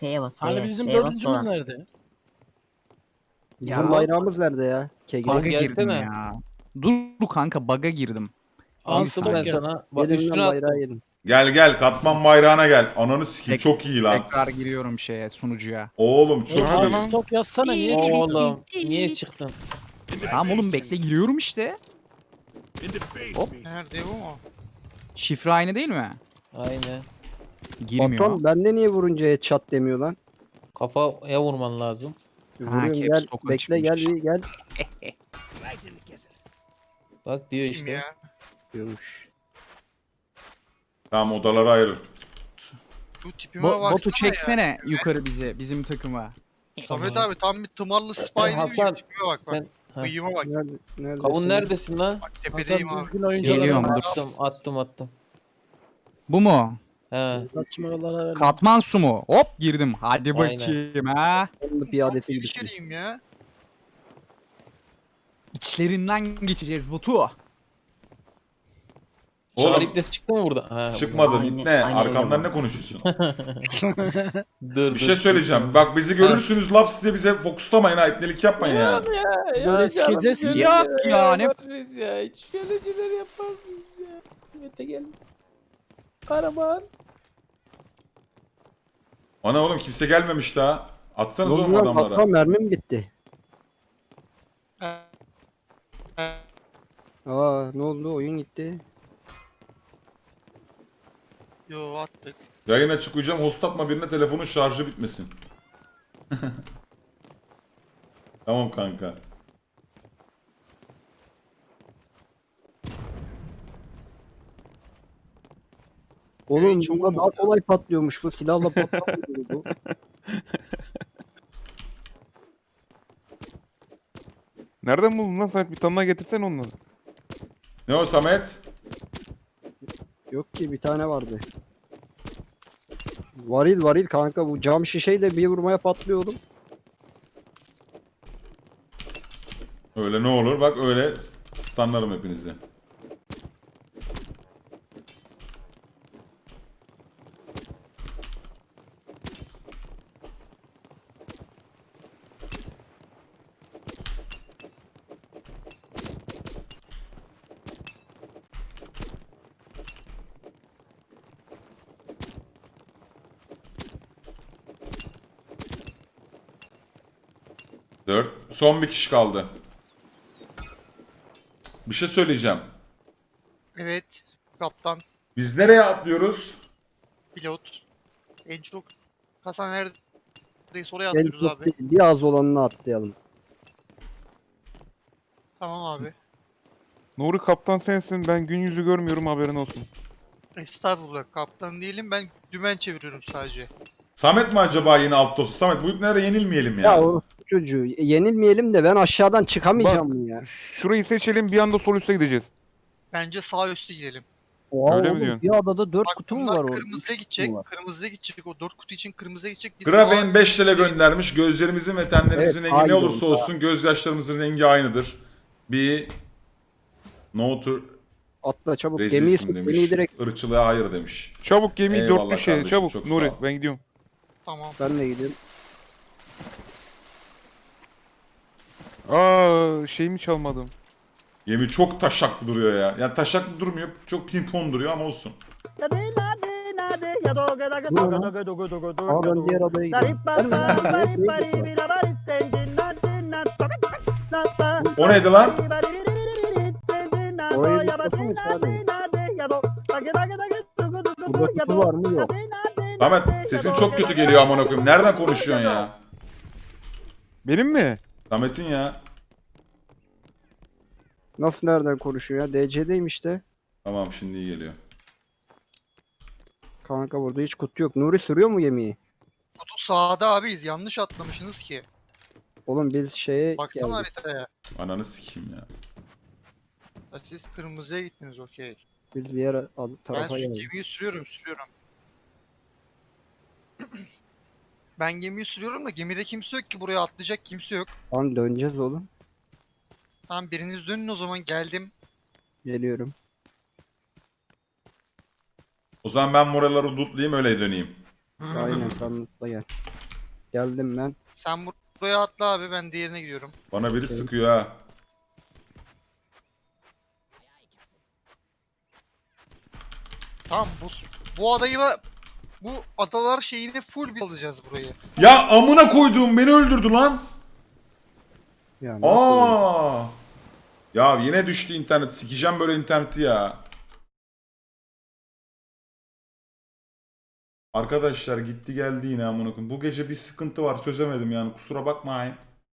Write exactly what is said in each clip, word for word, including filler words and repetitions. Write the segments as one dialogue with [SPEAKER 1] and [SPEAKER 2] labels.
[SPEAKER 1] F'ye bas.
[SPEAKER 2] Hani
[SPEAKER 1] F'ye.
[SPEAKER 2] bizim
[SPEAKER 1] F'ye bas
[SPEAKER 2] dördüncümüz
[SPEAKER 1] sola.
[SPEAKER 2] nerede?
[SPEAKER 3] Bizim
[SPEAKER 4] Ya.
[SPEAKER 3] bayrağımız nerede ya? Kegri.
[SPEAKER 4] Bug'a girdim
[SPEAKER 5] gelsene.
[SPEAKER 4] ya. Dur kanka bug'a girdim.
[SPEAKER 2] Ansel
[SPEAKER 4] saniye.
[SPEAKER 5] Ben
[SPEAKER 2] gelsin.
[SPEAKER 5] sana. Bak
[SPEAKER 3] Yedim
[SPEAKER 5] üstüne
[SPEAKER 3] lan bayrağı
[SPEAKER 5] attım.
[SPEAKER 3] yedim.
[SPEAKER 6] Gel gel katman bayrağına gel. Ananı sikeyim
[SPEAKER 4] Tek-
[SPEAKER 6] çok iyi lan.
[SPEAKER 4] Tekrar giriyorum şeye sunucuya.
[SPEAKER 6] Oğlum çok
[SPEAKER 2] Abi
[SPEAKER 6] iyi.
[SPEAKER 2] stop yazsana niye çıktın?
[SPEAKER 5] Oğlum niye çıktın?
[SPEAKER 4] Tamam oğlum bekle giriyorum işte.
[SPEAKER 7] Nerede bu mu?
[SPEAKER 4] Şifre aynı değil mi?
[SPEAKER 5] Aynen.
[SPEAKER 4] Girmiyor.
[SPEAKER 3] Patron bende niye vurunca headshot demiyor lan?
[SPEAKER 5] Kafaya vurman lazım.
[SPEAKER 3] Vuruyorum
[SPEAKER 4] caps
[SPEAKER 3] gel.
[SPEAKER 4] lock'a
[SPEAKER 3] Bekle gel
[SPEAKER 4] çıkmış.
[SPEAKER 3] bir gel.
[SPEAKER 5] Bak diyor
[SPEAKER 7] Kim
[SPEAKER 5] işte.
[SPEAKER 7] ya?
[SPEAKER 3] Diyormuş.
[SPEAKER 6] Tamam odalara ayırın.
[SPEAKER 7] Bu tipime
[SPEAKER 4] Bo
[SPEAKER 7] baksana
[SPEAKER 4] botu
[SPEAKER 7] ya.
[SPEAKER 4] çeksene yukarı bize bizim takıma.
[SPEAKER 7] Samet abi tam bir tımarlı spy değil mi?
[SPEAKER 5] Hasan
[SPEAKER 7] Tipime bak bak.
[SPEAKER 5] sen ha.
[SPEAKER 7] Bıyığıma bak.
[SPEAKER 3] Nerede, neredesin?
[SPEAKER 5] Kavun neredesin lan?
[SPEAKER 7] Bak
[SPEAKER 2] Hasan
[SPEAKER 7] tepedeyim abi.
[SPEAKER 2] düzgün oyunculara
[SPEAKER 4] Geliyorum,
[SPEAKER 2] ver.
[SPEAKER 4] dur.
[SPEAKER 5] Attım attım attım.
[SPEAKER 4] Bu mu?
[SPEAKER 5] He.
[SPEAKER 2] Saçmalara ver.
[SPEAKER 4] Katman su mu? Hop girdim. Hadi
[SPEAKER 5] Aynen.
[SPEAKER 4] bakayım ha.
[SPEAKER 3] Onun da piyadesi gibi.
[SPEAKER 7] İçeriyim ya.
[SPEAKER 4] İçlerinden geçeceğiz botu.
[SPEAKER 5] Çağrı
[SPEAKER 6] Oğlum
[SPEAKER 5] iplesi çıktı mı burada? Ha,
[SPEAKER 6] çıkmadı
[SPEAKER 1] Aynen,
[SPEAKER 6] ne?
[SPEAKER 1] aynen
[SPEAKER 6] Arkamdan
[SPEAKER 1] öyle
[SPEAKER 6] ne konuşuyorsun?
[SPEAKER 5] Dur,
[SPEAKER 6] Bir şey söyleyeceğim. Bak bizi görürsünüz laps diye bize fokuslamayın ha. İpnelik yapmayın ya.
[SPEAKER 2] Böyle sikeceğiz mi?
[SPEAKER 4] Yok ya ne?
[SPEAKER 5] Yaparız ya. Hiç şöyle şeyler yapar mıyız ya? Mete gel. Karaman.
[SPEAKER 6] Ana oğlum kimse gelmemiş daha.
[SPEAKER 3] Ne
[SPEAKER 6] Atsanız
[SPEAKER 3] oldu
[SPEAKER 6] oğlum
[SPEAKER 3] lan?
[SPEAKER 6] adamlara.
[SPEAKER 3] Patron mermim bitti.
[SPEAKER 7] Ee, e,
[SPEAKER 3] Aa ne oldu? Oyun gitti.
[SPEAKER 7] Yo attık.
[SPEAKER 6] Yayın açık uyuyacağım. Host atma birine telefonun şarjı bitmesin. Tamam kanka.
[SPEAKER 3] Oğlum
[SPEAKER 7] Evet, çok
[SPEAKER 3] bunda daha
[SPEAKER 7] oldu.
[SPEAKER 3] kolay patlıyormuş bu. Silahla patlamıyor bu.
[SPEAKER 8] Nereden buldun lan Samet? Bir tane daha getirsen onları.
[SPEAKER 6] Ne o Samet?
[SPEAKER 3] Yok ki bir tane vardı. Varil varil kanka bu cam şişeyle bir vurmaya patlıyor oğlum.
[SPEAKER 6] Öyle ne olur bak öyle stunlarım hepinizi. Dört. Son bir kişi kaldı. Bir şey söyleyeceğim.
[SPEAKER 7] Evet. Kaptan.
[SPEAKER 6] Biz nereye atlıyoruz?
[SPEAKER 7] Pilot. En çok. Hasan neredeyiz oraya
[SPEAKER 3] En
[SPEAKER 7] atlıyoruz
[SPEAKER 3] çok
[SPEAKER 7] abi.
[SPEAKER 3] değil, bir az olanını atlayalım.
[SPEAKER 7] Tamam abi.
[SPEAKER 8] Nuri kaptan sensin. Ben gün yüzü görmüyorum haberin olsun.
[SPEAKER 7] Estağfurullah kaptan değilim ben dümen çeviriyorum sadece.
[SPEAKER 6] Samet mi acaba yine alt dostu? Samet bu iplere yenilmeyelim ya.
[SPEAKER 3] Ya o çocuğu yenilmeyelim de ben aşağıdan çıkamayacağım mı ya?
[SPEAKER 8] Şurayı seçelim bir anda sol üste gideceğiz.
[SPEAKER 7] Bence sağ üstü gidelim.
[SPEAKER 3] Oha
[SPEAKER 8] Öyle mi
[SPEAKER 3] oğlum,
[SPEAKER 8] diyorsun?
[SPEAKER 3] bir adada dört
[SPEAKER 7] Bak
[SPEAKER 3] kutu mu
[SPEAKER 7] bunlar
[SPEAKER 3] var orada?
[SPEAKER 7] kırmızıya
[SPEAKER 3] Üç
[SPEAKER 7] gidecek.
[SPEAKER 3] kutu mu var?
[SPEAKER 7] Kırmızıya gidecek. O dört kutu için kırmızıya gidecek. Biz
[SPEAKER 6] Grafen
[SPEAKER 7] sağa-
[SPEAKER 6] beş lira göndermiş. Gözlerimizin ve tenlerimizin
[SPEAKER 3] Evet,
[SPEAKER 6] rengi ne
[SPEAKER 3] aynı
[SPEAKER 6] olursa
[SPEAKER 3] oldu.
[SPEAKER 6] olsun gözyaşlarımızın rengi aynıdır. Bir no to
[SPEAKER 3] Atla çabuk gemiyi
[SPEAKER 6] resistim
[SPEAKER 3] sık
[SPEAKER 6] demiş.
[SPEAKER 3] gemiyi direkt
[SPEAKER 6] Irkçılığa hayır demiş.
[SPEAKER 8] Çabuk gemiyi
[SPEAKER 6] Eyvallah
[SPEAKER 8] dörtlü şey
[SPEAKER 6] kardeşim,
[SPEAKER 8] çabuk.
[SPEAKER 6] çok
[SPEAKER 8] Nuri
[SPEAKER 6] sağ ol.
[SPEAKER 8] ben gidiyorum.
[SPEAKER 7] Tamam.
[SPEAKER 3] ben de gidiyorum.
[SPEAKER 8] Aa şeyimi çalmadım.
[SPEAKER 6] Gemi çok taşaklı duruyor ya. Yani taşaklı durmuyor. Çok pimpon duruyor ama olsun.
[SPEAKER 3] Aa ben diğer adaya gidiyorum.
[SPEAKER 6] O neydi lan?
[SPEAKER 3] Orayı yıkmasın abi. Burada kutu var mı yok.
[SPEAKER 6] Samet sesin çok kötü geliyor amına koyayım. Nereden konuşuyorsun ya?
[SPEAKER 8] Benim mi?
[SPEAKER 6] Samet'in ya.
[SPEAKER 3] Nasıl nereden konuşuyor ya? D C'deyim işte.
[SPEAKER 6] Tamam şimdi iyi geliyor.
[SPEAKER 3] Kanka burada hiç kutu yok. Nuri sürüyor mu gemiyi?
[SPEAKER 7] Kutu sağda abi yanlış atlamışsınız ki.
[SPEAKER 3] Oğlum biz şeye
[SPEAKER 7] Baksana
[SPEAKER 3] geldik.
[SPEAKER 7] haritaya.
[SPEAKER 6] Ananı sikeyim ya.
[SPEAKER 7] Ya siz kırmızıya gittiniz okey.
[SPEAKER 3] Biz bir yere ad-
[SPEAKER 7] Ben
[SPEAKER 3] tarafa
[SPEAKER 7] sü-
[SPEAKER 3] geldik.
[SPEAKER 7] gemiyi sürüyorum sürüyorum. Ben gemiyi sürüyorum da gemide kimse yok ki buraya atlayacak kimse yok.
[SPEAKER 3] Tamam döneceğiz oğlum.
[SPEAKER 7] Tamam biriniz dönün o zaman geldim.
[SPEAKER 3] Geliyorum.
[SPEAKER 6] O zaman ben moraları lootlayayım öyle döneyim.
[SPEAKER 3] Aynen sen mutlu gel. Geldim ben.
[SPEAKER 7] Sen buraya atla abi, ben diğerine gidiyorum.
[SPEAKER 6] Bana biri sıkıyor ha.
[SPEAKER 7] Tamam, bu bu adayı ve bu adalar şeyini full bir alacağız burayı.
[SPEAKER 6] Ya amına koyduğum beni öldürdü lan.
[SPEAKER 3] Ya nasıl olur?
[SPEAKER 6] Aa. Ya yine düştü internet. Sikeceğim böyle interneti ya. Arkadaşlar gitti geldi yine amına koyayım. Bu gece bir sıkıntı var, çözemedim yani, kusura bakmayın.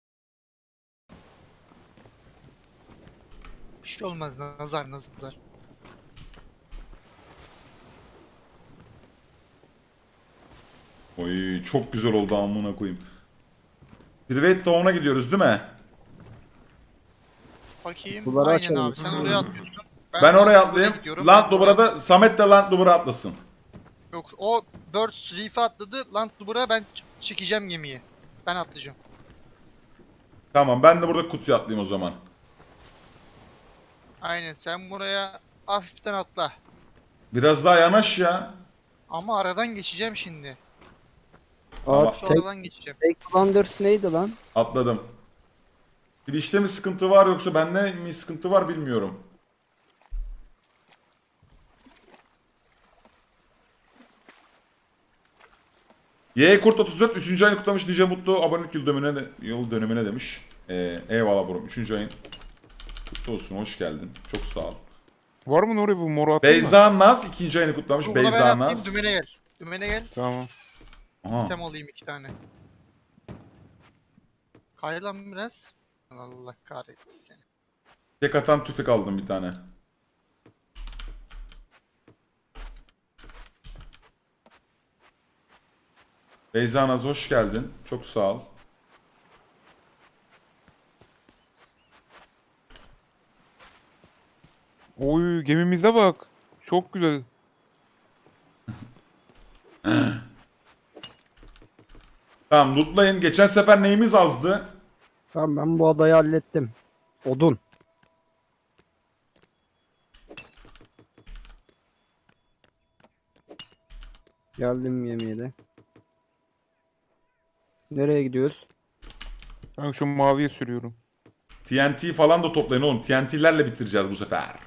[SPEAKER 7] Bir şey olmaz, nazar nazar.
[SPEAKER 6] Oy çok güzel oldu amına koyayım. Private Town'a gidiyoruz değil mi?
[SPEAKER 7] Bakayım.
[SPEAKER 3] Suları
[SPEAKER 7] Aynen
[SPEAKER 3] açalım.
[SPEAKER 7] abi, sen oraya atlıyorsun.
[SPEAKER 6] Ben oraya
[SPEAKER 7] buraya
[SPEAKER 6] atlayayım.
[SPEAKER 7] gidiyorum.
[SPEAKER 6] Land
[SPEAKER 7] Ben
[SPEAKER 6] Luber'a
[SPEAKER 7] buraya-
[SPEAKER 6] da Samet de Land Luber'a atlasın.
[SPEAKER 7] Yok, o Birds Reef'e atladı. Land Luber'a ben ç- çekeceğim gemiyi. Ben atlayacağım.
[SPEAKER 6] Tamam, ben de burada kutuya atlayayım o zaman.
[SPEAKER 7] Aynen, sen buraya hafiften atla.
[SPEAKER 6] Biraz daha yanaş ya.
[SPEAKER 7] Ama aradan geçeceğim şimdi.
[SPEAKER 3] Aa,
[SPEAKER 7] Şu
[SPEAKER 3] tek,
[SPEAKER 7] aradan geçeceğim.
[SPEAKER 3] tek Blunders neydi lan?
[SPEAKER 6] Atladım. Bir işte mi sıkıntı var yoksa bende mi sıkıntı var bilmiyorum. Y Kurt otuz dört üçüncü ayını kutlamış, nice mutlu abonelik yıl dönümüne, de, yıl dönümüne demiş. Ee, eyvallah bro, üçüncü ayın kutlu olsun, hoş geldin. Çok sağ ol.
[SPEAKER 8] Var mı Nuri bu moru attın mı?
[SPEAKER 6] Beyza Naz ikinci ayını kutlamış.
[SPEAKER 7] Dur, buna ben
[SPEAKER 6] Beyza
[SPEAKER 7] atlayayım,
[SPEAKER 6] Naz.
[SPEAKER 7] dümene gel. Dümene gel.
[SPEAKER 8] Tamam.
[SPEAKER 6] Aha.
[SPEAKER 7] Tem alayım iki tane. Kay lan biraz. Allah kahretsin seni.
[SPEAKER 6] Tek atan tüfek aldım bir tane. Beyza Naz hoş geldin. Çok sağ ol.
[SPEAKER 8] Oy gemimize bak. Çok güzel.
[SPEAKER 6] Tamam, lootlayın. Geçen sefer neyimiz azdı?
[SPEAKER 3] Tamam ben bu adayı hallettim. Odun. Geldim yemeğe de. Nereye gidiyoruz?
[SPEAKER 8] Ben şu maviye sürüyorum.
[SPEAKER 6] T N T falan da toplayın oğlum. T N T'lerle bitireceğiz bu sefer.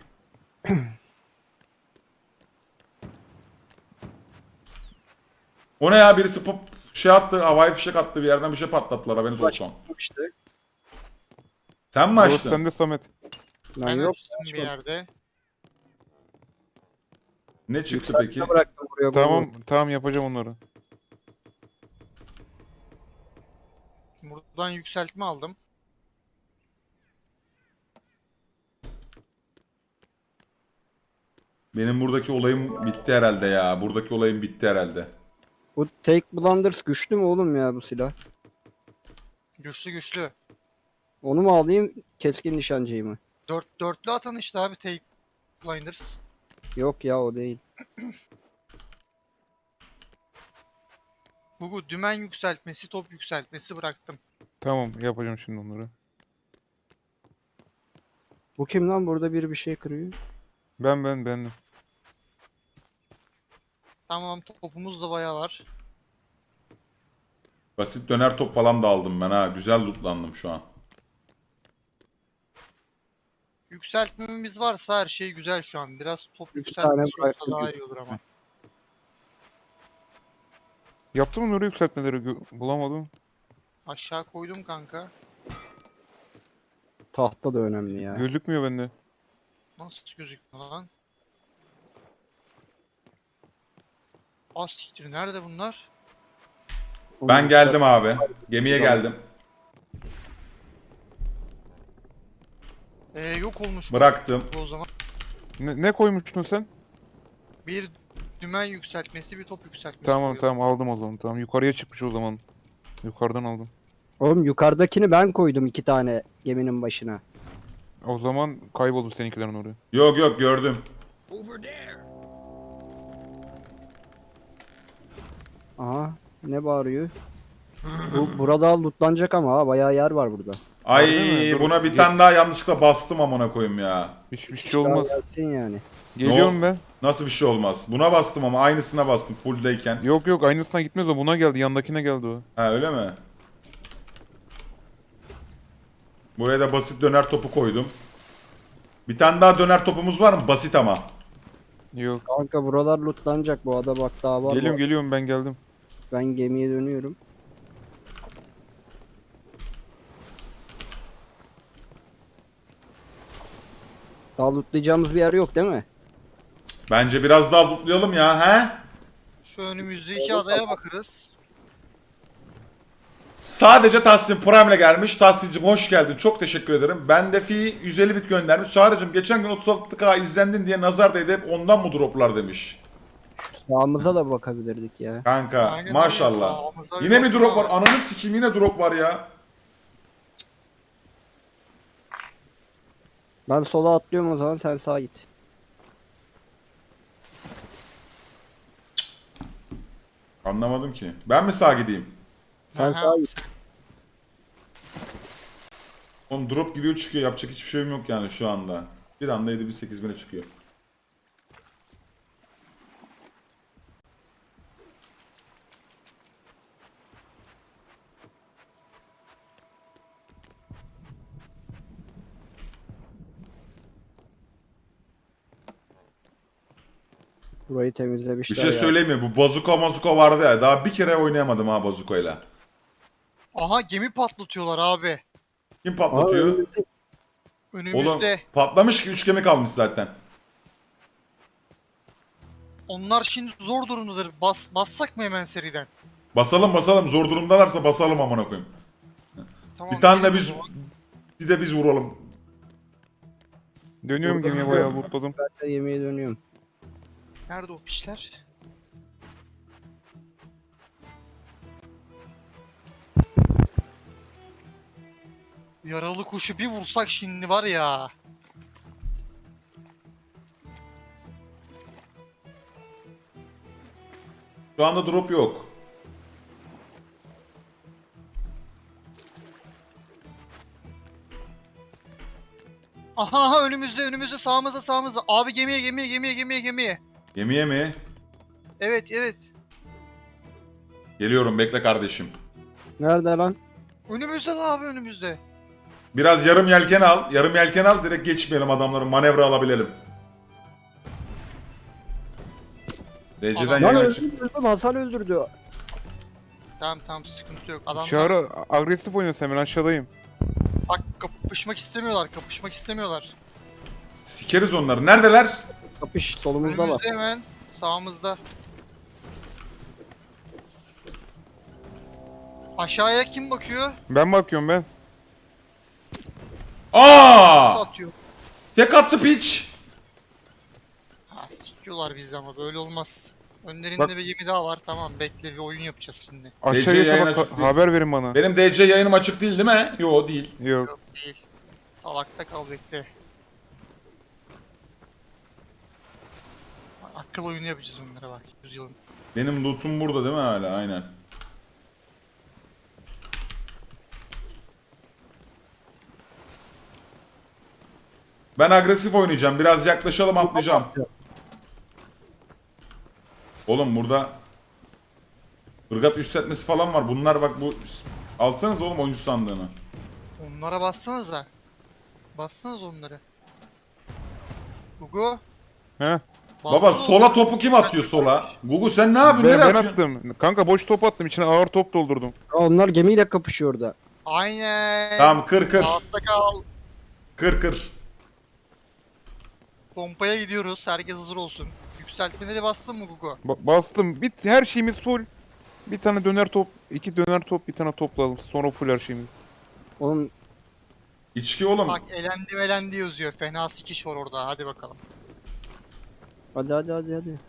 [SPEAKER 6] O ne ya, birisi pop şey attı, havai fişek attı, bir yerden bir şey patlattılar, haberiniz olsun.
[SPEAKER 3] İşte.
[SPEAKER 6] Sen mi
[SPEAKER 8] Burası
[SPEAKER 6] açtın?
[SPEAKER 8] sende Samet.
[SPEAKER 3] Ben
[SPEAKER 7] Ben
[SPEAKER 3] yok.
[SPEAKER 7] açtım bir yerde.
[SPEAKER 6] Ne çıktı
[SPEAKER 3] Yükseltme
[SPEAKER 6] peki?
[SPEAKER 3] bıraktım buraya.
[SPEAKER 8] Tamam tamam yapacağım onları.
[SPEAKER 7] Buradan yükseltme aldım.
[SPEAKER 6] Benim buradaki olayım bitti herhalde ya. Buradaki olayım bitti herhalde.
[SPEAKER 3] Bu Take Blunders güçlü mü oğlum ya bu silah?
[SPEAKER 7] Güçlü güçlü.
[SPEAKER 3] Onu mu alayım keskin nişancıyı mı?
[SPEAKER 7] Dört, dörtlü atan işte abi, Take Blinders.
[SPEAKER 3] Yok ya o değil.
[SPEAKER 7] Bu, bu dümen yükseltmesi, top yükseltmesi bıraktım.
[SPEAKER 8] Tamam yapacağım şimdi onları.
[SPEAKER 3] Bu kim lan burada biri bir şey kırıyor?
[SPEAKER 8] Ben ben ben.
[SPEAKER 7] Tamam, topumuz da bayağı var.
[SPEAKER 6] Basit döner top falan da aldım ben ha. Güzel lootlandım şu an.
[SPEAKER 7] Yükseltmemiz varsa her şey güzel şu an. Biraz top
[SPEAKER 3] İki tane
[SPEAKER 7] yükseltmesi olsa
[SPEAKER 3] bıraktım.
[SPEAKER 7] daha iyi olur ama.
[SPEAKER 8] Yaptın mı Nuri yükseltmeleri? Gö- Bulamadım.
[SPEAKER 7] Aşağı koydum kanka.
[SPEAKER 3] Tahta da önemli ya.
[SPEAKER 8] Gözükmüyor bende.
[SPEAKER 7] Nasıl gözükmüyor lan? Az siktir, nerede bunlar?
[SPEAKER 6] Ben geldim abi. Gemiye geldim.
[SPEAKER 7] Ee, yok olmuş
[SPEAKER 6] Bıraktım.
[SPEAKER 7] bu o zaman.
[SPEAKER 8] Ne, ne koymuştun sen?
[SPEAKER 7] Bir dümen yükseltmesi, bir top yükseltmesi.
[SPEAKER 8] Tamam
[SPEAKER 7] koyalım.
[SPEAKER 8] tamam aldım o zaman. Tamam yukarıya çıkmış o zaman. Yukarıdan aldım.
[SPEAKER 3] Oğlum yukarıdakini ben koydum iki tane geminin başına.
[SPEAKER 8] O zaman kayboldu seninkilerin oraya.
[SPEAKER 6] Yok yok, gördüm.
[SPEAKER 3] Aha ne bağırıyor? Bu burada lootlanacak ama ha bayağı yer var burada.
[SPEAKER 6] Ay
[SPEAKER 8] Harbi mi? Dur,
[SPEAKER 6] buna bir
[SPEAKER 8] gel.
[SPEAKER 6] tane daha yanlışlıkla bastım amına koyayım ya.
[SPEAKER 8] Hiçbir şey olmaz.
[SPEAKER 3] Gelsin yani.
[SPEAKER 8] Geliyorum ben.
[SPEAKER 6] Nasıl bir şey olmaz? Buna bastım ama aynısına bastım fulldeyken.
[SPEAKER 8] Yok yok aynısına gitmez o. Buna geldi. Yandakine geldi o.
[SPEAKER 6] Ha öyle mi? Buraya da basit döner topu koydum. Bir tane daha döner topumuz var mı? Basit ama.
[SPEAKER 8] Yok.
[SPEAKER 3] Kanka buralar lootlanacak bu ada bak daha var.
[SPEAKER 8] Geliyorum
[SPEAKER 3] bu-
[SPEAKER 8] geliyorum ben geldim.
[SPEAKER 3] Ben gemiye dönüyorum. Daha lootlayacağımız bir yer yok değil mi?
[SPEAKER 6] Bence biraz daha lootlayalım ya he?
[SPEAKER 7] Şu önümüzdeki adaya bakarız.
[SPEAKER 6] Sadece Tahsin Prime ile gelmiş. Tahsin'cim hoş geldin. Çok teşekkür ederim. Ben de fi yüz elli bit göndermiş. Çağrı'cım geçen gün otuz altı K izlendin diye nazar değdi. Hep ondan mı droplar demiş.
[SPEAKER 3] Sağımıza da bakabilirdik ya.
[SPEAKER 6] Kanka
[SPEAKER 7] Aynen
[SPEAKER 6] maşallah.
[SPEAKER 7] öyle, sağımıza
[SPEAKER 6] Yine mi
[SPEAKER 7] yok
[SPEAKER 6] drop
[SPEAKER 7] ya.
[SPEAKER 6] var? Ananı sikeyim yine drop var ya.
[SPEAKER 3] Ben sola atlıyorum o zaman sen sağa git.
[SPEAKER 6] Anlamadım ki. Ben mi sağa gideyim?
[SPEAKER 3] Sen
[SPEAKER 7] Aha.
[SPEAKER 3] sağa git.
[SPEAKER 6] Oğlum drop giriyor çıkıyor. Yapacak hiçbir şeyim yok yani şu anda. Bir anda yedi bin sekiz bine çıkıyor.
[SPEAKER 3] Burayı temizlemişler
[SPEAKER 6] Bir şey
[SPEAKER 3] ya.
[SPEAKER 6] söyleyeyim mi? Bu bazuka mazuka vardı ya. Daha bir kere oynayamadım ha bazukayla.
[SPEAKER 7] Aha gemi patlatıyorlar abi.
[SPEAKER 6] Kim
[SPEAKER 3] Aa,
[SPEAKER 6] patlatıyor?
[SPEAKER 3] önümüzde-
[SPEAKER 6] Oğlum
[SPEAKER 7] Önümüzde.
[SPEAKER 6] patlamış ki üç gemi kalmış zaten.
[SPEAKER 7] Onlar şimdi zor durumdadır. Bas, bassak mı hemen seriden?
[SPEAKER 6] Basalım basalım. Zor durumdalarsa basalım amına koyayım.
[SPEAKER 7] Tamam,
[SPEAKER 6] Bir tane de
[SPEAKER 7] gelin o
[SPEAKER 6] biz
[SPEAKER 7] zaman.
[SPEAKER 6] bir de biz vuralım.
[SPEAKER 8] Dönüyorum gemiye bayağı lootladım.
[SPEAKER 3] Ben de yemeğe dönüyorum.
[SPEAKER 7] Nerede o pişler? Yaralı kuşu bir vursak şimdi var ya.
[SPEAKER 6] Şu anda drop yok.
[SPEAKER 7] Aha aha önümüzde önümüzde sağımızda sağımızda. Abi gemiye gemiye gemiye gemiye gemiye.
[SPEAKER 6] Gemiye mi?
[SPEAKER 7] Evet evet.
[SPEAKER 6] Geliyorum bekle kardeşim.
[SPEAKER 3] Nerede lan?
[SPEAKER 7] Önümüzde de abi önümüzde.
[SPEAKER 6] Biraz yarım yelken al. Yarım yelken al direkt geçmeyelim adamların manevra alabilelim. D C'den
[SPEAKER 7] Adam-
[SPEAKER 3] Lan
[SPEAKER 6] yayın açık.
[SPEAKER 3] öldürdüm Hasan öldürdü.
[SPEAKER 7] Tamam tamam sıkıntı yok. Adamlar
[SPEAKER 8] Çağrı agresif oynuyorsun hemen aşağıdayım.
[SPEAKER 7] bak kapışmak istemiyorlar kapışmak istemiyorlar.
[SPEAKER 6] Sikeriz onları. Neredeler?
[SPEAKER 3] Kapış solumuzda var.
[SPEAKER 7] Önümüzde hemen sağımızda. Aşağıya kim bakıyor?
[SPEAKER 8] Ben bakıyorum ben.
[SPEAKER 6] Aa!
[SPEAKER 7] Atıyor.
[SPEAKER 6] Tek attı piç.
[SPEAKER 7] Ha sikiyorlar bizi ama böyle olmaz. Önlerinde
[SPEAKER 8] Bak-
[SPEAKER 7] bir gemi daha var. Tamam bekle bir oyun yapacağız şimdi.
[SPEAKER 8] Aşağıya
[SPEAKER 6] yayın
[SPEAKER 8] sabah
[SPEAKER 6] açık değil.
[SPEAKER 8] haber verin bana.
[SPEAKER 6] Benim D C yayınım açık değil değil mi? Yo değil.
[SPEAKER 8] Yok.
[SPEAKER 7] Yok değil. Salakta kal bekle. Bak, akıl oyunu yapacağız onlara bak. Yüzyılın.
[SPEAKER 6] Benim lootum burada değil mi hala? Aynen. Ben agresif oynayacağım. Biraz yaklaşalım atlayacağım. Oğlum burada ırgat üstletmesi falan var. Bunlar bak bu... Alsanız oğlum oyuncu sandığını.
[SPEAKER 7] Onlara bassanıza. Bassanız onları. Gugu.
[SPEAKER 8] He.
[SPEAKER 6] Baba
[SPEAKER 7] bassana
[SPEAKER 6] sola
[SPEAKER 7] onları.
[SPEAKER 6] topu kim atıyor sola? Gugu sen ne yapıyorsun?
[SPEAKER 8] Ben,
[SPEAKER 6] Nereye
[SPEAKER 8] ben
[SPEAKER 6] atıyorsun?
[SPEAKER 8] attım. Kanka boş top attım. İçine ağır top doldurdum.
[SPEAKER 3] Aa, onlar gemiyle kapışıyor orada.
[SPEAKER 7] Aynen.
[SPEAKER 6] Tamam kır kır.
[SPEAKER 7] Rahatta kal.
[SPEAKER 6] Kır kır.
[SPEAKER 7] Pompaya gidiyoruz. Herkes hazır olsun. Yükseltmeleri bastın mı Gugu?
[SPEAKER 8] Ba- bastım. Bit her şeyimiz full. Bir tane döner top, iki döner top, bir tane toplayalım. Sonra full her şeyimiz.
[SPEAKER 3] Oğlum
[SPEAKER 6] İçki oğlum.
[SPEAKER 7] Bak elendi elendi yazıyor. Fena sikiş var orada. Hadi bakalım.
[SPEAKER 3] hadi hadi hadi hadi.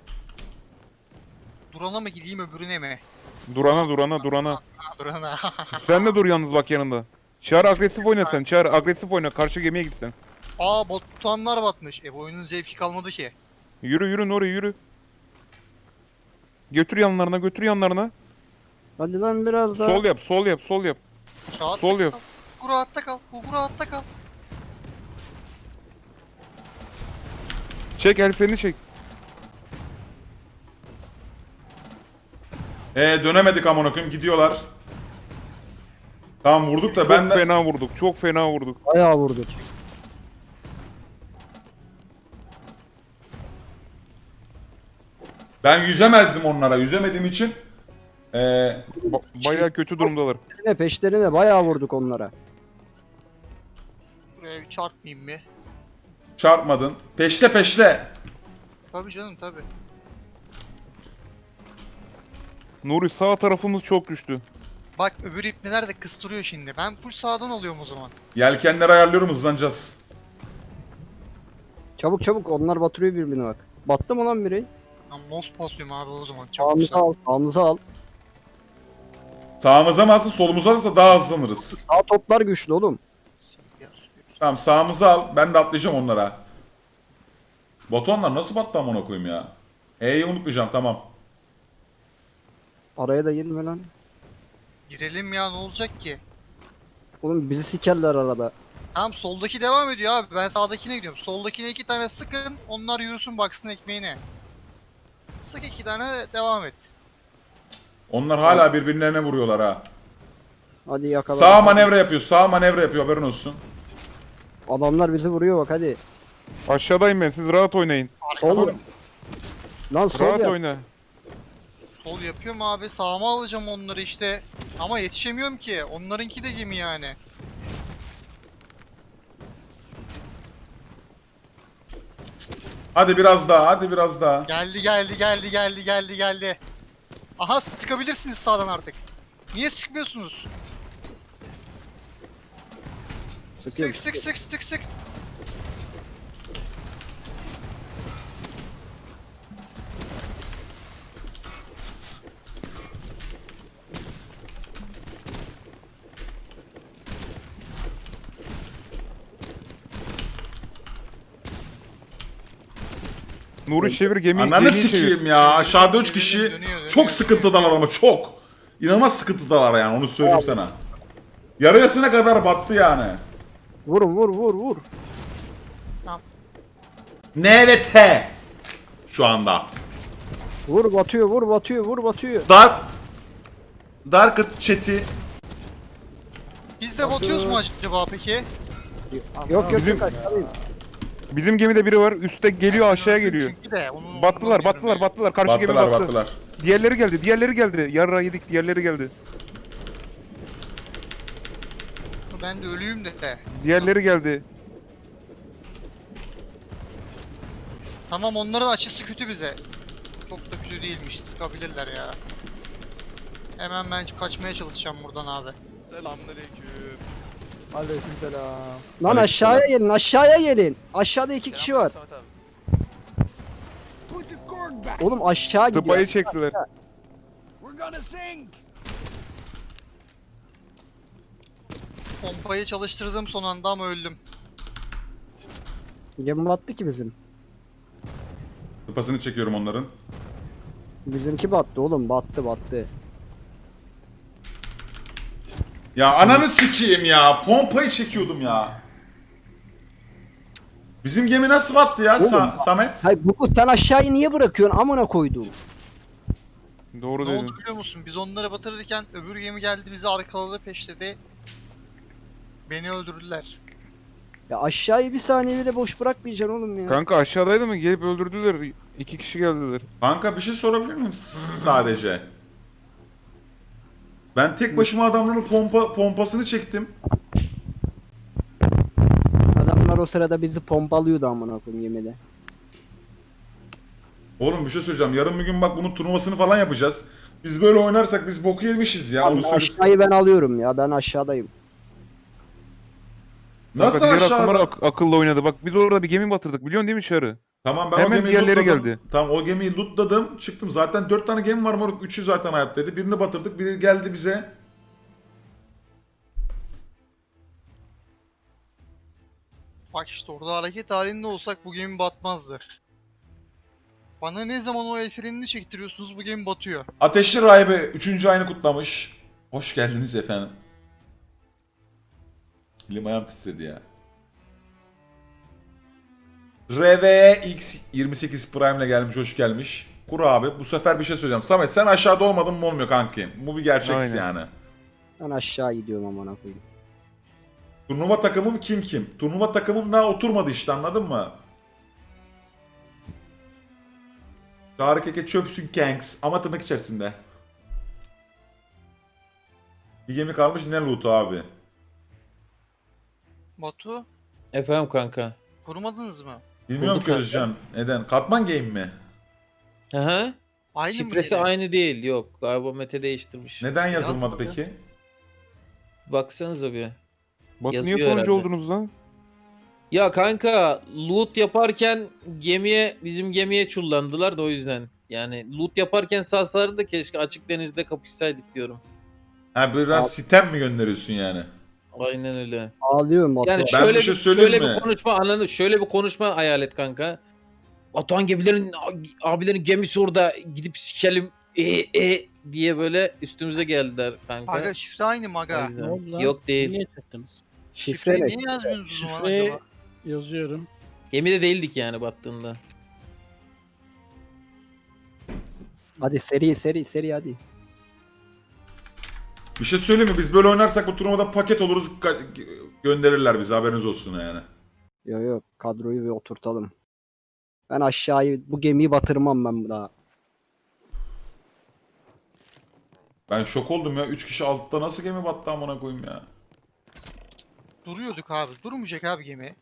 [SPEAKER 7] Durana mı gideyim öbürüne mi?
[SPEAKER 8] Durana durana durana.
[SPEAKER 7] Ha durana.
[SPEAKER 8] Sen de dur yalnız bak yanında. Çağrı agresif oyna sen. Çağrı agresif oyna. Karşı gemiye git sen.
[SPEAKER 7] Aa botanlar batmış. E bu oyunun zevki kalmadı ki.
[SPEAKER 8] Yürü yürü Nuri yürü. Götür yanlarına götür yanlarına.
[SPEAKER 3] Hadi lan biraz daha.
[SPEAKER 8] Sol yap sol yap sol yap.
[SPEAKER 7] Rahat.
[SPEAKER 8] Sol yap.
[SPEAKER 7] Gugu rahatta kal. Gugu rahatta kal.
[SPEAKER 8] Çek el freni çek.
[SPEAKER 6] Ee dönemedik amına koyayım gidiyorlar. Tamam vurduk da
[SPEAKER 8] Çok
[SPEAKER 6] ben de
[SPEAKER 8] fena vurduk. Çok fena vurduk.
[SPEAKER 3] Bayağı vurduk.
[SPEAKER 6] ben yüzemezdim onlara. Yüzemediğim için ee,
[SPEAKER 8] Ba- bayağı kötü durumdalar.
[SPEAKER 3] Peşlerine peşlerine bayağı vurduk onlara.
[SPEAKER 7] Buraya bir çarpmayayım mı?
[SPEAKER 6] çarpmadın. Peşte peşte.
[SPEAKER 7] Tabii canım tabii.
[SPEAKER 8] Nuri sağ tarafımız çok güçlü.
[SPEAKER 7] Bak öbür ipneler de kıstırıyor şimdi. Ben full sağdan alıyorum o zaman.
[SPEAKER 6] Yelkenleri ayarlıyorum hızlanacağız.
[SPEAKER 3] Çabuk çabuk onlar batırıyor birbirini bak. Battı mı lan biri?
[SPEAKER 7] Ben most basıyorum abi o zaman. Çabuk
[SPEAKER 3] Sağımıza
[SPEAKER 7] sağ.
[SPEAKER 3] al, sağımıza al.
[SPEAKER 6] Sağımıza mı alsın solumuza alırsa daha hızlanırız.
[SPEAKER 3] Sağ toplar güçlü oğlum.
[SPEAKER 6] Tamam sağımıza al. Ben de atlayacağım onlara. Botonlar nasıl battı amına koyayım ya. E'yi unutmayacağım tamam.
[SPEAKER 3] Araya da girme lan.
[SPEAKER 7] Girelim ya ne olacak ki?
[SPEAKER 3] Oğlum bizi sikerler arada.
[SPEAKER 7] Tamam soldaki devam ediyor abi. Ben sağdakine gidiyorum. Soldakine iki tane sıkın. Onlar yürüsün baksın ekmeğine. Sık iki tane devam et.
[SPEAKER 6] Onlar hala birbirlerine vuruyorlar ha.
[SPEAKER 3] Hadi yakala.
[SPEAKER 6] Sağ manevra yapıyor. Sağ manevra yapıyor haberin olsun.
[SPEAKER 3] Adamlar bizi vuruyor bak hadi.
[SPEAKER 8] Aşağıdayım ben. Siz rahat oynayın.
[SPEAKER 3] Sol.
[SPEAKER 7] Arkadan
[SPEAKER 3] Lan sol
[SPEAKER 8] Rahat
[SPEAKER 3] yap.
[SPEAKER 8] oyna.
[SPEAKER 7] sol yapıyorum abi. Sağıma alacağım onları işte. Ama yetişemiyorum ki. Onlarınki de gemi yani.
[SPEAKER 6] Hadi biraz daha. Hadi biraz daha.
[SPEAKER 7] Geldi geldi geldi geldi geldi geldi. Aha sıkabilirsiniz sağdan artık. Niye sıkmıyorsunuz?
[SPEAKER 3] Sıkıyorum.
[SPEAKER 7] Sık sık sık sık sık.
[SPEAKER 8] Nuri çevir gemi.
[SPEAKER 6] Ananı
[SPEAKER 8] gemiyi çevir.
[SPEAKER 6] sikeyim ya. Aşağıda üç kişi
[SPEAKER 7] Dönüyor, dönüyor,
[SPEAKER 6] çok
[SPEAKER 7] dönüyor.
[SPEAKER 6] sıkıntıdalar ama çok. İnanılmaz sıkıntıdalar yani onu söyleyeyim sana. Yarıyasına kadar battı yani.
[SPEAKER 3] Vur vur vur vur.
[SPEAKER 6] N ve T. Şu anda.
[SPEAKER 3] Vur batıyor vur batıyor vur batıyor.
[SPEAKER 6] Dark Dark chat'i
[SPEAKER 7] Biz de batıyoruz mu acaba peki?
[SPEAKER 3] Yok yok
[SPEAKER 8] Bizim-
[SPEAKER 3] yok aşağıdayım.
[SPEAKER 8] Bizim gemide biri var. Üste geliyor aşağıya geliyor.
[SPEAKER 7] Çünkü de onun,
[SPEAKER 8] Battılar
[SPEAKER 7] ondan
[SPEAKER 8] battılar
[SPEAKER 7] diyorum
[SPEAKER 8] battılar. Karşı gemi
[SPEAKER 6] battılar
[SPEAKER 8] battı.
[SPEAKER 6] battılar.
[SPEAKER 8] Diğerleri geldi. Diğerleri geldi. Yarra yedik. Diğerleri geldi.
[SPEAKER 7] ya. Ben de ölüyüm de.
[SPEAKER 8] Diğerleri geldi.
[SPEAKER 7] Tamam onların açısı kötü bize. Çok da kötü değilmiş. Sıkabilirler ya. Hemen ben kaçmaya çalışacağım buradan abi.
[SPEAKER 5] Aleykümselam.
[SPEAKER 3] Lan aşağıya gelin aşağıya gelin. Aşağıda iki kişi var. Oğlum aşağı gidiyor.
[SPEAKER 8] Tıpayı çektiler.
[SPEAKER 7] Pompayı çalıştırdım son anda ama öldüm.
[SPEAKER 3] Gemi battı ki bizim.
[SPEAKER 6] Kupasını çekiyorum onların.
[SPEAKER 3] Bizimki battı oğlum battı battı.
[SPEAKER 6] Ya ananı sikeyim ya. Pompayı çekiyordum ya. Bizim gemi nasıl battı ya
[SPEAKER 3] Oğlum,
[SPEAKER 6] Sa- Samet?
[SPEAKER 3] Hayır bu sen aşağıyı niye bırakıyorsun amına koyduğum.
[SPEAKER 8] Doğru
[SPEAKER 7] Ne
[SPEAKER 8] dedin.
[SPEAKER 7] oldu biliyor musun? Biz onları batırırken öbür gemi geldi bizi arkaladı peşledi. Beni öldürdüler.
[SPEAKER 3] Ya aşağıyı bir saniye bile boş bırakmayacaksın oğlum ya.
[SPEAKER 8] Kanka aşağıdaydı mı? Gelip öldürdüler. İki kişi geldiler.
[SPEAKER 6] Kanka bir şey sorabilir miyim S- sadece? Ben tek başıma adamların pompa pompasını çektim.
[SPEAKER 3] Adamlar o sırada bizi pompalıyordu amına koyayım gemide.
[SPEAKER 6] Oğlum bir şey söyleyeceğim. Yarın bir gün bak bunun turnuvasını falan yapacağız. Biz böyle oynarsak biz boku yemişiz ya. Onu
[SPEAKER 3] Oğlum,
[SPEAKER 6] söyleyeyim.
[SPEAKER 3] aşağıyı ben alıyorum ya ben aşağıdayım.
[SPEAKER 6] Nasıl
[SPEAKER 8] Kanka, diğer
[SPEAKER 6] aşağıda?
[SPEAKER 8] akıllar ak- akıllı oynadı. Bak biz orada bir gemi batırdık. Biliyorsun değil mi Çağrı?
[SPEAKER 6] Tamam ben
[SPEAKER 8] Hemen
[SPEAKER 6] o gemiyi
[SPEAKER 8] diğerleri
[SPEAKER 6] lootladım.
[SPEAKER 8] geldi.
[SPEAKER 6] Tamam o gemiyi lootladım. Çıktım. Zaten dört tane gemi var moruk. Üçü zaten hayattaydı. Birini batırdık. Biri geldi bize.
[SPEAKER 7] Bak işte orada hareket halinde olsak bu gemi batmazdı. Bana ne zaman o el frenini çektiriyorsunuz bu gemi batıyor.
[SPEAKER 6] Ateşli Rahibe üçüncü ayını kutlamış. Hoş geldiniz efendim. Elim ayağım titredi ya. R V X yirmi sekiz Prime ile gelmiş, hoş gelmiş. Kur abi. Bu sefer bir şey söyleyeceğim. Samet sen aşağıda olmadın mı olmuyor kanki. Bu bir gerçeksin
[SPEAKER 8] Aynen.
[SPEAKER 6] yani.
[SPEAKER 3] Ben aşağı gidiyorum amına koyayım.
[SPEAKER 6] Turnuva takımım kim kim? Turnuva takımım daha oturmadı işte, anladın mı? Çağrı Keke çöpsün Kanks ama tırnak içerisinde. Bir gemi kalmış, ne loot'u abi?
[SPEAKER 5] Batu. Efendim kanka.
[SPEAKER 7] Kurmadınız mı?
[SPEAKER 6] Bilmiyorum
[SPEAKER 5] Bulduk
[SPEAKER 6] ki
[SPEAKER 5] kanka.
[SPEAKER 6] Özcan. Neden? Katman game mi?
[SPEAKER 5] Aha.
[SPEAKER 7] Aynı mı
[SPEAKER 5] Şifresi
[SPEAKER 7] gene?
[SPEAKER 5] aynı değil. Yok. Galiba Mete değiştirmiş.
[SPEAKER 6] Neden yazılmadı
[SPEAKER 7] Yazmadı.
[SPEAKER 6] peki?
[SPEAKER 5] Baksanıza bir.
[SPEAKER 8] Batu
[SPEAKER 5] Yazıyor
[SPEAKER 8] niye sonuncu
[SPEAKER 5] herhalde.
[SPEAKER 8] oldunuz lan?
[SPEAKER 5] Ya kanka loot yaparken gemiye bizim gemiye çullandılar da o yüzden. Yani loot yaparken sağsaları da keşke açık denizde kapışsaydık diyorum.
[SPEAKER 6] Ha biraz
[SPEAKER 3] Abi-
[SPEAKER 6] sitem mi gönderiyorsun yani?
[SPEAKER 5] Aynen öyle.
[SPEAKER 3] Ağlıyorum Batu.
[SPEAKER 5] Yani
[SPEAKER 6] Ben
[SPEAKER 5] şöyle
[SPEAKER 6] bir şey
[SPEAKER 5] bir,
[SPEAKER 6] söyleyeyim
[SPEAKER 5] şöyle
[SPEAKER 6] mi?
[SPEAKER 5] bir konuşma anladın. Şöyle bir konuşma hayal et kanka. Batuhan gemilerin abilerin gemisi orada gidip sikelim e, e diye böyle üstümüze geldiler kanka.
[SPEAKER 7] Aga şifre aynı mı
[SPEAKER 5] O
[SPEAKER 7] aga?
[SPEAKER 5] yüzden.
[SPEAKER 2] Ne oldu lan?
[SPEAKER 5] Yok değil.
[SPEAKER 2] Niye çektiniz?
[SPEAKER 3] Şifre
[SPEAKER 7] Şifreyi
[SPEAKER 3] ne?
[SPEAKER 7] niye yazmıyorsunuz o zaman
[SPEAKER 2] Şifre
[SPEAKER 7] acaba?
[SPEAKER 2] yazıyorum.
[SPEAKER 5] Gemide değildik yani battığında.
[SPEAKER 3] Hadi seri seri seri hadi.
[SPEAKER 6] Bir şey söyleyeyim mi? Biz böyle oynarsak bu turnuvada paket oluruz, ka- gönderirler bize, haberiniz olsun yani.
[SPEAKER 3] Yok yok kadroyu bir oturtalım. Ben aşağıyı bu gemiyi batırmam ben daha.
[SPEAKER 6] Ben şok oldum ya. üç kişi altta nasıl gemi battı amına koyayım ya.
[SPEAKER 7] Duruyorduk abi. Durmayacak abi gemi.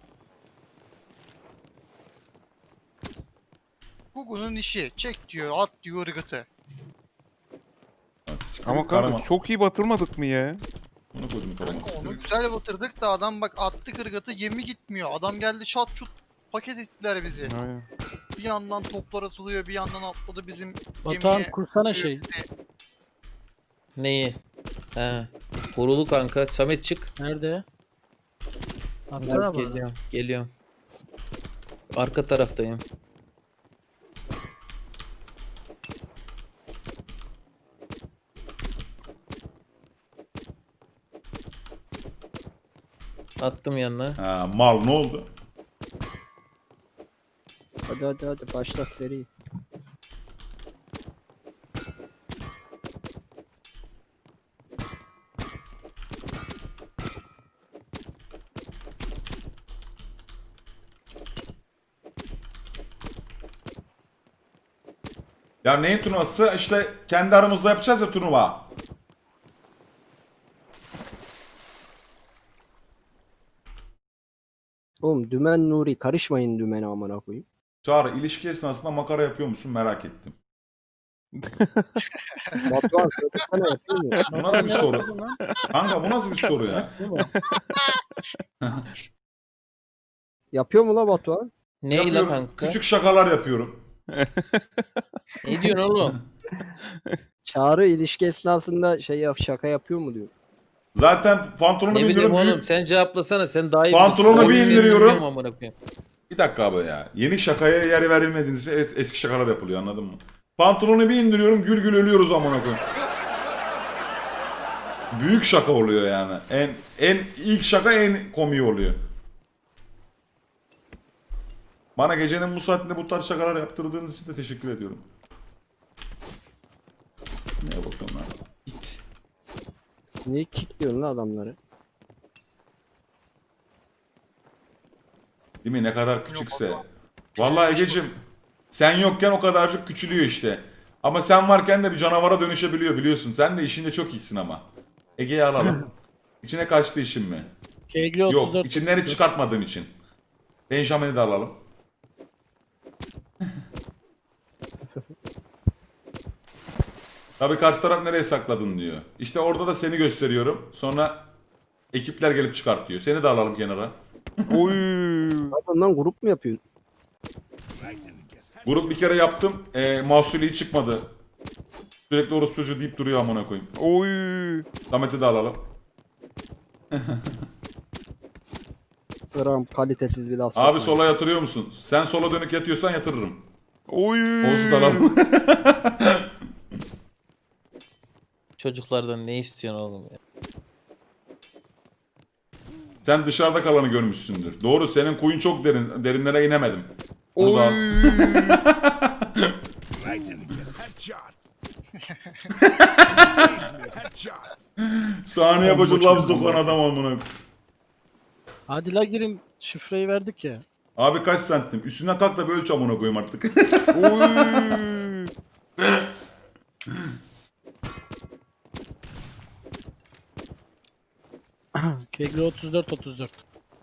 [SPEAKER 7] Google'un işi. Çek diyor, at diyor ırgıtı.
[SPEAKER 6] Lan siktir
[SPEAKER 8] Ama
[SPEAKER 6] git
[SPEAKER 8] kanka
[SPEAKER 6] karama.
[SPEAKER 8] çok iyi batırmadık mı ya?
[SPEAKER 6] Bunu koydum karama.
[SPEAKER 7] Kanka
[SPEAKER 6] siktir
[SPEAKER 7] onu
[SPEAKER 6] git.
[SPEAKER 7] güzel batırdık da adam bak attı ırgatı gemi gitmiyor. Adam geldi çat çut paket ettiler bizi.
[SPEAKER 8] Aynen.
[SPEAKER 7] Bir yandan toplar atılıyor, bir yandan atladı bizim
[SPEAKER 2] Batuhan
[SPEAKER 7] gemiye.
[SPEAKER 2] kursana şey.
[SPEAKER 5] Neyi? He. Korulu kanka. Samet çık.
[SPEAKER 2] Nerede? Atsana bana.
[SPEAKER 5] Geliyorum. Geliyorum. Arka taraftayım. Attım yanına.
[SPEAKER 6] Ha, mal ne oldu?
[SPEAKER 3] Hadi hadi hadi başlat seri.
[SPEAKER 6] Ya neyin turnuvası? İşte kendi aramızda yapacağız ya turnuva.
[SPEAKER 3] Oğlum dümen Nuri karışmayın dümene amına koyayım.
[SPEAKER 6] Çağrı, ilişki esnasında makara yapıyor musun merak ettim.
[SPEAKER 3] Batuhan söylesene yapıyor mu?
[SPEAKER 6] Bu nasıl bir soru? Kanka bu nasıl bir soru ya?
[SPEAKER 3] Yapıyor mu la Batuhan?
[SPEAKER 5] Ney la
[SPEAKER 6] Yapıyorum.
[SPEAKER 5] kanka?
[SPEAKER 6] Küçük şakalar yapıyorum.
[SPEAKER 5] Ne diyorsun oğlum?
[SPEAKER 3] Çağrı ilişki esnasında şey yap şaka yapıyor mu diyor.
[SPEAKER 6] Zaten pantolonu
[SPEAKER 5] Ne bileyim
[SPEAKER 6] indiriyorum.
[SPEAKER 5] oğlum
[SPEAKER 6] Büyük...
[SPEAKER 5] sen cevaplasana sen daha iyi
[SPEAKER 6] Pantolonu
[SPEAKER 5] bilirsin.
[SPEAKER 6] bir
[SPEAKER 5] Sen
[SPEAKER 6] indiriyorum.
[SPEAKER 5] bilmiyorum amına koyayım.
[SPEAKER 6] Bir dakika abi ya. Yeni şakaya yer verilmediğiniz için es- eski şakalar yapılıyor, anladın mı? Pantolonu bir indiriyorum, gül gül ölüyoruz amına koyayım. Büyük şaka oluyor yani. En en ilk şaka en komiği oluyor. Bana gecenin bu saatinde bu tarz şakalar yaptırdığınız için de teşekkür ediyorum. Neye bakıyorum lan? İt.
[SPEAKER 3] Niye kickliyorsun la adamları?
[SPEAKER 6] Değil mi? Ne kadar küçükse. Vallahi Egeciğim, sen yokken o kadarcık küçülüyor işte. Ama sen varken de bir canavara dönüşebiliyor biliyorsun. Sen de işinde çok iyisin ama. Ege'yi alalım. İçine kaçtı işin mi?
[SPEAKER 2] Kegli otuz dört.
[SPEAKER 6] Yok, içinden hiç çıkartmadığım için. Benjamin'i de alalım. Tabii karşı taraf nereye sakladın diyor. İşte orada da seni gösteriyorum. Sonra ekipler gelip çıkartıyor. Seni de alalım kenara.
[SPEAKER 8] Oy.
[SPEAKER 3] Ondan grup mu yapıyorsun?
[SPEAKER 6] Grup bir kere yaptım. E, mahsulü hiç çıkmadı. Sürekli orospu çocuğu deyip duruyor amına koyayım.
[SPEAKER 8] Oy.
[SPEAKER 6] Samet'i de alalım.
[SPEAKER 3] Gram kalitesiz bir laf.
[SPEAKER 6] Abi
[SPEAKER 3] sokma.
[SPEAKER 6] sola yatırıyor musun? Sen sola dönük yatıyorsan yatırırım.
[SPEAKER 8] Oy.
[SPEAKER 6] Oğuz'u da alalım.
[SPEAKER 5] Çocuklardan ne istiyorsun oğlum ya?
[SPEAKER 6] Sen dışarıda kalanı görmüşsündür. Doğru, senin kuyun çok derin. Derinlere inemedim. Bunu da
[SPEAKER 8] Oy.
[SPEAKER 6] al. Saniye başı laf sokan adam amına.
[SPEAKER 2] Hadi la girin. Şifreyi verdik ya.
[SPEAKER 6] Abi kaç santim? Üstüne kalk da bir ölç amına koyayım artık.
[SPEAKER 8] Oy.
[SPEAKER 2] Kegli otuz dört otuz dört.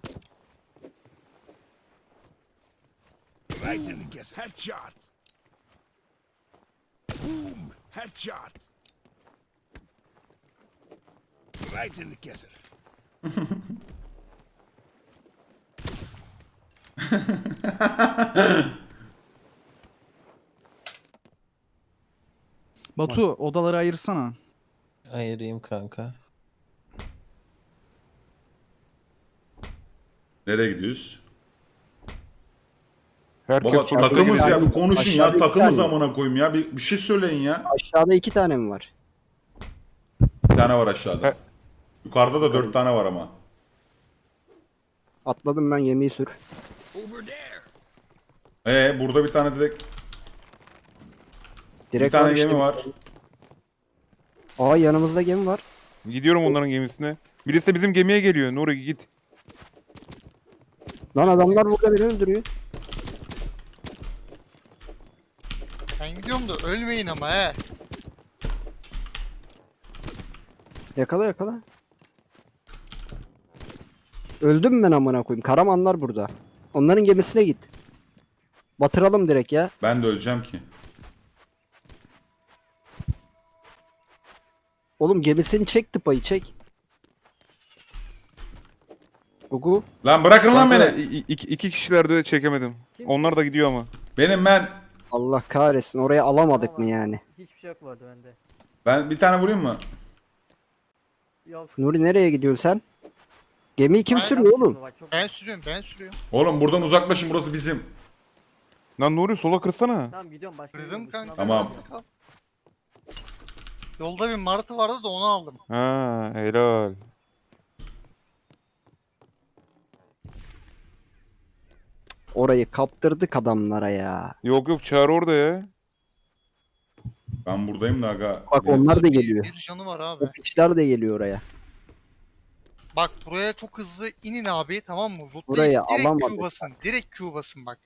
[SPEAKER 1] Right in the guess. Headshot. Boom. Headshot. Right in the kisser.
[SPEAKER 4] Batu odaları ayırsana.
[SPEAKER 5] Ayırayım kanka.
[SPEAKER 6] Nereye gidiyoruz?
[SPEAKER 8] Herkes
[SPEAKER 6] Baba
[SPEAKER 8] farklı
[SPEAKER 6] takımız
[SPEAKER 8] geliyor.
[SPEAKER 6] ya, bir konuşun ya,
[SPEAKER 3] Aşağıda iki
[SPEAKER 6] takımız
[SPEAKER 3] tane.
[SPEAKER 6] amına koyayım ya, bir, bir şey söyleyin ya.
[SPEAKER 3] Aşağıda iki tane mi var?
[SPEAKER 6] Bir tane var aşağıda.
[SPEAKER 8] He.
[SPEAKER 6] Yukarıda da dört tane var ama.
[SPEAKER 3] Atladım ben, yemeği sür.
[SPEAKER 1] Over there.
[SPEAKER 6] Ee burada bir tane direkt bir
[SPEAKER 3] Direkt
[SPEAKER 6] tane
[SPEAKER 3] var işte.
[SPEAKER 6] gemi var.
[SPEAKER 3] Aa, yanımızda gemi var.
[SPEAKER 8] Gidiyorum onların gemisine. Birisi de bizim gemiye geliyor. Nuri git.
[SPEAKER 3] Lan adamlar burada beni öldürüyor.
[SPEAKER 7] Ben gidiyorum da ölmeyin ama he.
[SPEAKER 3] Yakala yakala. Öldüm ben amına koyayım. Karamanlar burada. Onların gemisine git. Batıralım direkt ya.
[SPEAKER 6] Ben de öleceğim ki.
[SPEAKER 3] Oğlum gemisini çek, tıpayı çek. Gugu.
[SPEAKER 6] Lan bırakın lan
[SPEAKER 8] Kanka,
[SPEAKER 6] beni.
[SPEAKER 8] i- i- iki, iki kişilerde de çekemedim. Onlar da gidiyor ama.
[SPEAKER 6] Benim ben.
[SPEAKER 3] Allah kahretsin, oraya alamadık mı yani?
[SPEAKER 9] Hiçbir şey yok vardı bende.
[SPEAKER 6] Ben bir tane vurayım mı?
[SPEAKER 9] Yok.
[SPEAKER 3] Nuri nereye gidiyorsun sen? Gemiyi kim
[SPEAKER 7] Aynen.
[SPEAKER 3] sürüyor oğlum?
[SPEAKER 9] Bak, çok...
[SPEAKER 7] Ben sürüyorum ben sürüyorum.
[SPEAKER 6] Oğlum buradan uzaklaşın, burası bizim.
[SPEAKER 8] Lan Nuri sola kırsana.
[SPEAKER 9] Tamam gidiyorum başka bir
[SPEAKER 7] Kırdım
[SPEAKER 9] yere
[SPEAKER 7] kanka.
[SPEAKER 9] gitmem
[SPEAKER 6] Tamam.
[SPEAKER 9] lazım.
[SPEAKER 7] Kal. Yolda bir martı vardı da onu aldım.
[SPEAKER 8] Ha helal.
[SPEAKER 3] Orayı kaptırdık adamlara ya.
[SPEAKER 8] Yok yok Çağrı orada ya.
[SPEAKER 6] Ben buradayım da aga.
[SPEAKER 3] Bak onlar da geliyor.
[SPEAKER 7] Bir canı var abi.
[SPEAKER 3] O piçler de geliyor oraya.
[SPEAKER 7] Bak buraya çok hızlı inin abi, tamam mı? Lootlayıp
[SPEAKER 3] Burayı
[SPEAKER 7] direkt
[SPEAKER 3] alamadık.
[SPEAKER 7] Q basın. Direkt Q basın bak.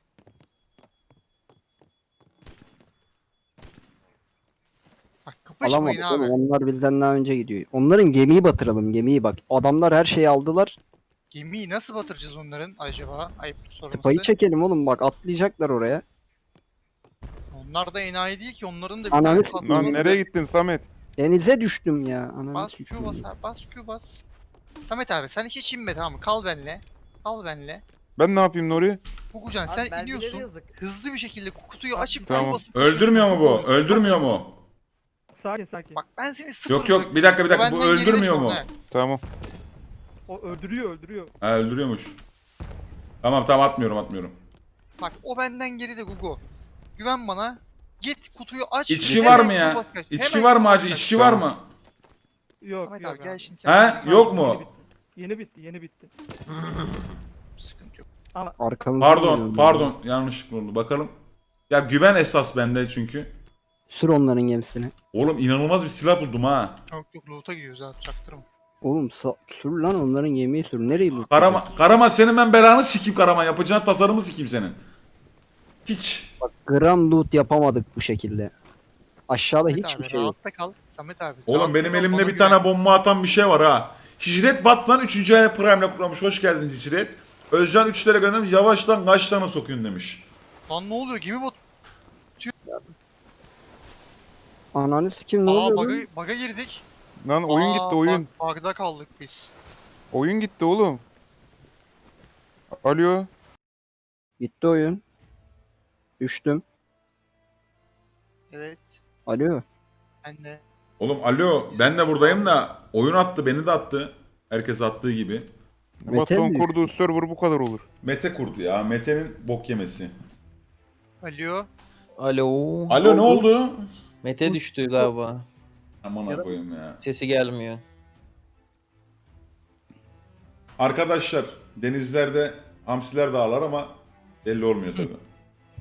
[SPEAKER 7] Bak kapışmayın
[SPEAKER 3] Alamadık
[SPEAKER 7] abi.
[SPEAKER 3] oğlum. Onlar bizden daha önce gidiyor. Onların gemiyi batıralım, gemiyi bak. Adamlar her şeyi aldılar.
[SPEAKER 7] Gemiyi nasıl batıracağız onların acaba? Ayıp sorması.
[SPEAKER 3] Tıpayı çekelim oğlum, bak atlayacaklar oraya.
[SPEAKER 7] Onlar da enayi değil ki, onların da bir
[SPEAKER 3] Ananı
[SPEAKER 7] tane
[SPEAKER 3] s**eyim.
[SPEAKER 8] Lan
[SPEAKER 7] patlaması
[SPEAKER 8] nereye
[SPEAKER 7] var.
[SPEAKER 8] gittin Samet?
[SPEAKER 3] Denize düştüm ya. Ananı
[SPEAKER 7] Bas
[SPEAKER 3] sikeyim.
[SPEAKER 7] Q bas abi, bas Q bas. Samet abi sen hiç inme, tamam mı? Kal benle. Kal benle.
[SPEAKER 8] Ben ne yapayım Nuri?
[SPEAKER 7] Gugucan
[SPEAKER 9] Abi,
[SPEAKER 7] sen
[SPEAKER 9] belgeleri
[SPEAKER 7] iniyorsun.
[SPEAKER 9] yazık.
[SPEAKER 7] Hızlı bir şekilde kutuyu açıp
[SPEAKER 8] Tamam.
[SPEAKER 7] Q basıp
[SPEAKER 6] Öldürmüyor mu bu?
[SPEAKER 7] koşuyorsun.
[SPEAKER 6] Öldürmüyor mu?
[SPEAKER 9] Sakin sakin.
[SPEAKER 7] Bak ben seni sıfır
[SPEAKER 6] Yok yok, bir dakika bir dakika, bu
[SPEAKER 7] benden geride
[SPEAKER 6] öldürmüyor
[SPEAKER 7] şu
[SPEAKER 6] mu?
[SPEAKER 7] an, he.
[SPEAKER 8] Tamam.
[SPEAKER 9] O öldürüyor öldürüyor.
[SPEAKER 6] Ha, öldürüyormuş. Tamam tamam, atmıyorum atmıyorum.
[SPEAKER 7] Bak o benden geride Gugu. Güven bana. Git kutuyu aç.
[SPEAKER 6] İçki
[SPEAKER 7] hemen
[SPEAKER 6] var mı
[SPEAKER 7] Q
[SPEAKER 6] ya?
[SPEAKER 7] bas kaç.
[SPEAKER 6] İçki
[SPEAKER 7] Hemen
[SPEAKER 6] var
[SPEAKER 7] Q
[SPEAKER 6] mı
[SPEAKER 7] bas
[SPEAKER 6] hacı?
[SPEAKER 7] kaç.
[SPEAKER 6] İçki var mı?
[SPEAKER 9] Yok
[SPEAKER 7] Samet
[SPEAKER 9] yok
[SPEAKER 7] abi gel
[SPEAKER 9] abi.
[SPEAKER 7] şimdi sen.
[SPEAKER 6] He? Yok mu?
[SPEAKER 9] Yeni bitti yeni bitti.
[SPEAKER 7] Sıkıntı yok.
[SPEAKER 3] Arkamızda
[SPEAKER 6] Pardon
[SPEAKER 3] geliyor.
[SPEAKER 6] pardon, yanlışlıkla oldu. Bakalım. Ya güven esas bende çünkü.
[SPEAKER 3] Sür onların gemisini.
[SPEAKER 6] Oğlum inanılmaz bir silah buldum ha.
[SPEAKER 7] Yok yok loot'a gidiyoruz abi, çaktırma.
[SPEAKER 3] Oğlum sa- sür lan onların gemiyi sür. Nereye loot?
[SPEAKER 6] Karaman, Karaman senin ben belanı sikeyim Karaman. Yapacağın tasarımı sikeyim senin. Hiç.
[SPEAKER 3] Bak gram loot yapamadık bu şekilde. Aşağıda
[SPEAKER 7] Samet
[SPEAKER 3] hiçbir
[SPEAKER 7] abi,
[SPEAKER 3] şey yok.
[SPEAKER 7] rahatta kal. Samet abi.
[SPEAKER 6] Oğlum
[SPEAKER 7] rahatta
[SPEAKER 6] benim
[SPEAKER 7] kal,
[SPEAKER 6] elimde
[SPEAKER 7] bana
[SPEAKER 6] bir
[SPEAKER 7] güven.
[SPEAKER 6] tane bomba atan bir şey var ha. Hicret Batman üçüncü ay Prime'le kutlamış. Hoş geldin Hicret. Özcan üç lira göndermiş. Yavaştan kaç tane sokuyorsun demiş.
[SPEAKER 7] Lan ne oluyor? Gemi bot.
[SPEAKER 3] Ananı sikim ne
[SPEAKER 7] Aa
[SPEAKER 3] oluyor
[SPEAKER 7] baga,
[SPEAKER 3] lan?
[SPEAKER 7] baga girdik.
[SPEAKER 8] Lan oyun
[SPEAKER 7] Aa,
[SPEAKER 8] gitti oyun.
[SPEAKER 7] Bak, bug'da kaldık biz.
[SPEAKER 8] Oyun gitti oğlum. Alo.
[SPEAKER 3] Gitti oyun. Düştüm.
[SPEAKER 7] Evet.
[SPEAKER 3] Alo.
[SPEAKER 7] Ben de.
[SPEAKER 6] Oğlum alo, ben de buradayım da oyun attı, beni de attı. Herkes attığı gibi.
[SPEAKER 3] Mete
[SPEAKER 8] Batu'nun
[SPEAKER 3] mi?
[SPEAKER 8] kurduğu server bu kadar olur.
[SPEAKER 6] Mete kurdu ya. Mete'nin bok yemesi.
[SPEAKER 7] Alo.
[SPEAKER 5] Alo.
[SPEAKER 6] Alo ne oldu?
[SPEAKER 5] Mete düştü galiba.
[SPEAKER 6] Aman koyayım ya.
[SPEAKER 5] Sesi gelmiyor.
[SPEAKER 6] Arkadaşlar denizlerde hamsiler de ağlar ama belli olmuyor tabii.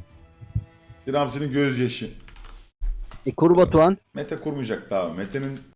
[SPEAKER 6] Bir hamsinin gözyaşı.
[SPEAKER 3] E kur Batuhan.
[SPEAKER 6] Mete kurmayacak daha. Mete'nin